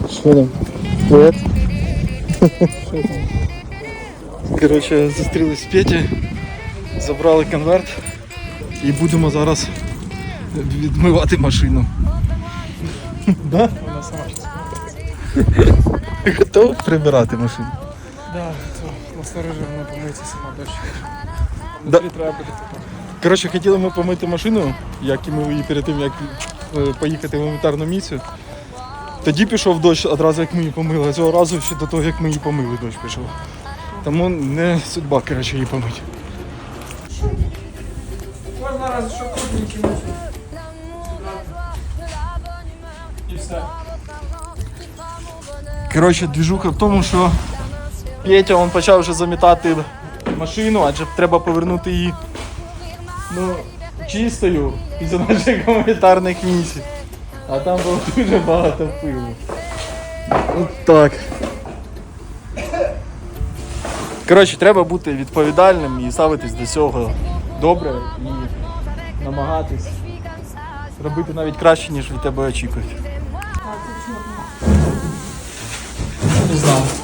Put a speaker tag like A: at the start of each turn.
A: Що там? Привет. Коротше, зустрілись з Петі, забрали конверт і будемо зараз відмивати машину. Да?
B: Вона сама щас.
A: Готов прибирати машину?
B: Да, то насторожи, вона помиється сама дощ.
A: Да.
B: Внутрі треба буде тепер.
A: Коротше, хотіли ми помити машину, як і ми її перед тим, як поїхати в гуманітарну місію. Тоді пішов дощ одразу, як ми її помили, а цього разу ще до того, як ми її помили, дощ пішов. Тому не судьба, коротше, її помити.
B: Можна раз, що крупненький мусор. І все.
A: Коротше, движуха в тому, що Петя він почав вже замітати машину, адже треба повернути її чистою після наших гуманітарних місій. А там було дуже багато пилу. От так. Коротше, треба бути відповідальним і ставитись до цього добре і намагатись робити навіть краще, ніж від тебе очікують.
B: Не знав.